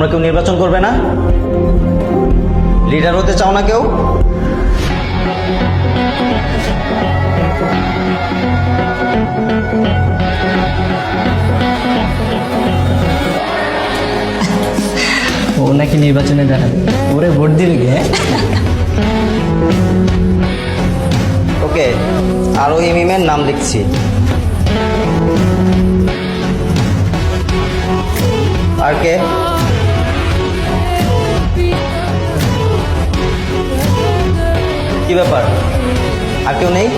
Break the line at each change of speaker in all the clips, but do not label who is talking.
তোমরা কেউ নির্বাচন করবে না? লিডার হতে চাও না কেউ?
ও নাকি নির্বাচনে দাঁড়াবে, ওরে ভোট দিবে গে।
ওকে, আরো মিমের নাম লিখছি। আর কে? কি ব্যাপার, আর কেউ নেই?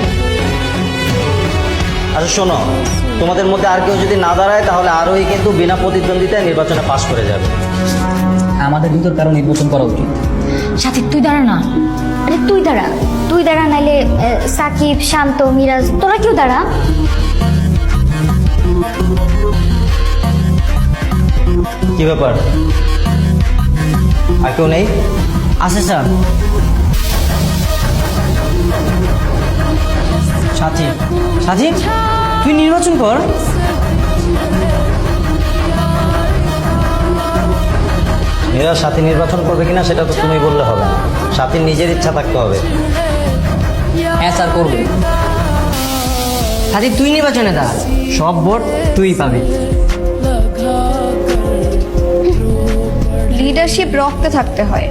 আচ্ছা শোনো, তোমাদের মধ্যে আর কেউ যদি না দাঁড়ায় তাহলে আরোই কিন্তু বিনা প্রতিদ্বন্দ্বিতায় নির্বাচনে পাশ করে যাবে।
আমাদের ভিতর কারো নির্বাচন করা উচিত।
সাথী তুই দাঁড়া না। আরে তুই দাঁড়া নাইলে সাকিব, শান্ত, মিরাজ তোরা কেউ দাঁড়া।
কি ব্যাপার, আর কেউ নেই?
আছে স্যার। সাথী, সাথী তুই নির্বাচন কর।
এরা সাথী নির্বাচন করবে কিনা সেটা তো তুমি বললে হবে না, সাথীর নিজের ইচ্ছা থাকতে হবে।
হ্যাঁ স্যার করবে। সাথী তুই নির্বাচনে দাঁড়া, সব ভোট তুই পাবি।
লিডারশিপ রক্তে থাকতে হয়।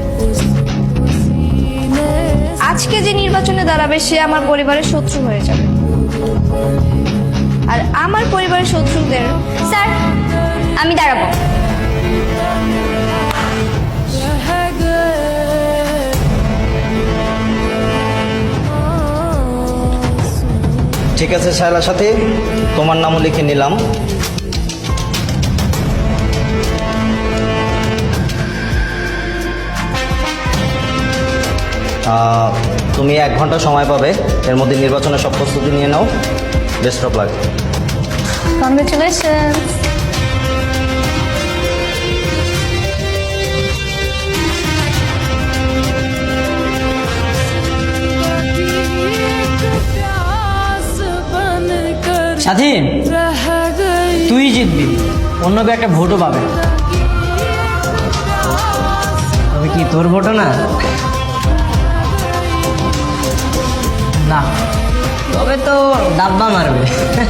আজকে যে নির্বাচনে দাঁড়াবে সে আমার পরিবারের শত্রু হয়ে যাবে, আর আমার পরিবারের শত্রুদের।
স্যার আমি দাঁড়াবো।
ঠিক আছে শায়লা সাথী, তোমার নামও লিখে নিলাম। তুমি 1 ঘন্টা সময় পাবে, এর মধ্যে নির্বাচনের সব প্রস্তুতি নিয়ে নাও। Best of luck.
কংগ্রেচুলেশন।
সাথী তুই জিতবি, অন্য কেউ একটা ভোটও পাবে। তবে কি তোর ভোটও না? না, তবে তো ডাব্বা মারবে।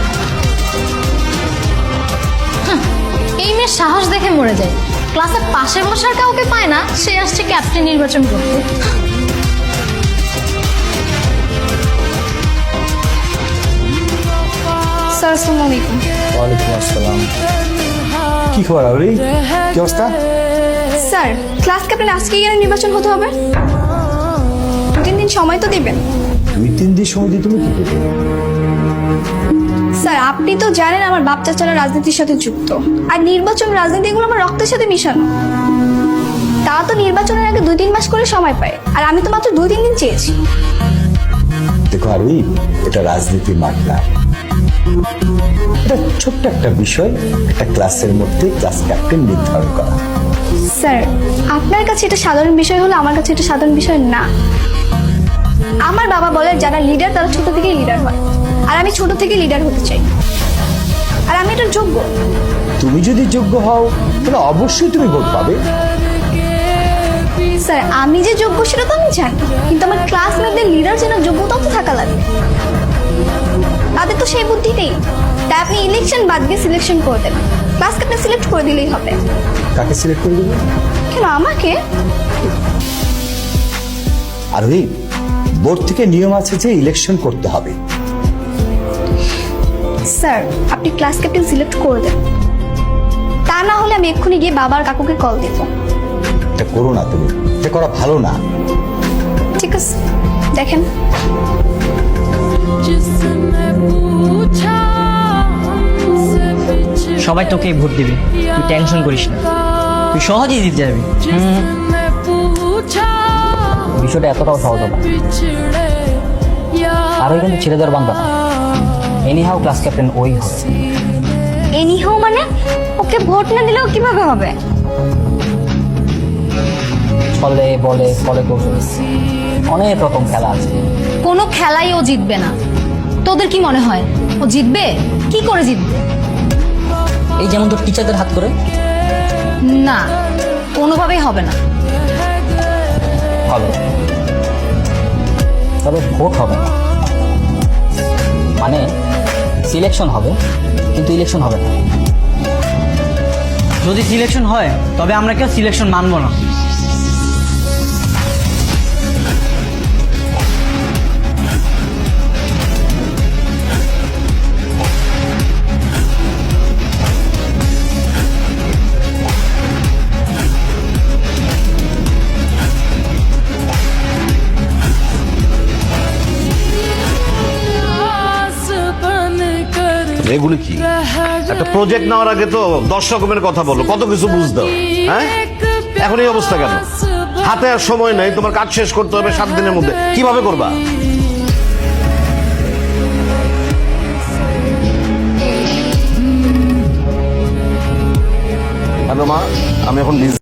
এই মেয়ের সাহস দেখে মরে যায়। ক্লাসে পাশে বসার কাউকে পায় না, সে আসছে ক্যাপ্টেন নির্বাচন করতে।
স্যার আসসালামু আলাইকুম।
ওয়ালাইকুম আসসালাম। কি খবর আবরি, কি অবস্থা?
স্যার ক্লাস ক্যাপ্টেন আজকে গেলে নির্বাচন হতে হবে, 2-3 দিন সময় তো দিবেন।
2-3 দিন সময় দিয়ে তুমি কি করবে?
স্যার আপনি তো জানেন আমার বাপ চাচারা রাজনীতির সাথে যুক্ত, আর নির্বাচন রাজনীতি এগুলো আমার রক্তের সাথে মিশানো। তা তো নির্বাচনের আগে 2-3 মাস করে সময় পায়, আর আমি তো মাত্র 2-3 দিন চেয়েছি।
দেখো আরবি, এটা রাজনীতির মাঠ না। এটা ছোট্ট একটা বিষয়, একটা ক্লাসের মধ্যে ক্লাস ক্যাপ্টেন নির্ধারণ করা।
স্যার আপনার কাছে এটা সাধারণ বিষয় হলো, আমার কাছে এটা সাধারণ বিষয় না। আমার বাবা বলে যারা লিডার তারা ছোট থেকেই লিডার হয়, আর আমি ছোট থেকে লিডার হতে চাই, আর আমি এটার যোগ্য।
তুমি যদি যোগ্য হও তাহলে অবশ্যই তুমি ভোট পাবে।
স্যার আমি যে যোগ্য সেটা তো আমি জানি, কিন্তু আমার ক্লাসমেটদের লিডার যেন যোগ্যতাও তো থাকা লাগবে। তাদের তো সেই বুদ্ধিতেই। তাই আপনি ইলেকশন বাদ দিয়ে সিলেকশন করে দেন, ক্লাস ক্যাপ্টেন সিলেক্ট করে দিলেই হবে।
কাকে সিলেক্ট করে দেবে?
কেন আমাকে?
আরবি, বোর্ড থেকে নিয়ম আছে যে ইলেকশন করতে হবে।
স্যার আপনি ক্লাস ক্যাপ্টেন সিলেক্ট করে দেন, তা না হলে আমি এক্ষুনি গিয়ে বাবার কাকুকে কল দেব।
এটা করো না, তুমি এটা করা ভালো না।
ঠিক আছে দেখেন।
সবাই তোকেই ভোট দিবে, তুই টেনশন করিস না, তুই সহজেই জিতে যাবি। বিষয়টা এতটাও সহজ হবে আরও কিন্তু ছেড়ে দেওয়ার বান্ধব। এনিহাও ক্লাস ক্যাপ্টেন ওই হবে।
এনিহাও মানে ওকে ভোট না দিলেও কিভাবে হবে?
ছলে বলে ফলে কৌশল, অনেক রকম খেলা আছে।
কোনো খেলাই ও জিতবে না। তোদের কি মনে হয় ও জিতবে? কি করে জিতবে?
এই যেমন তোর টিচারদের হাত করে।
না, ও কোনোভাবেই হবে না।
হবে, তবে ভোট হবে না, মানে সিলেকশন হবে কিন্তু ইলেকশন হবে না। যদি সিলেকশন হয় তবে আমরা কেউ সিলেকশন মানব না।
এগুলি কি একটা প্রজেক্ট নেওয়ার আগে তো 10 রকমের কথা বলো, কত কিছু বুঝতে হবে। হ্যাঁ, এখন এই অবস্থা কেন? হাতে আর সময় নেই, তোমার কাজ শেষ করতে হবে 7 দিনের মধ্যে, কিভাবে করবা? হ্যালো মা, আমি এখন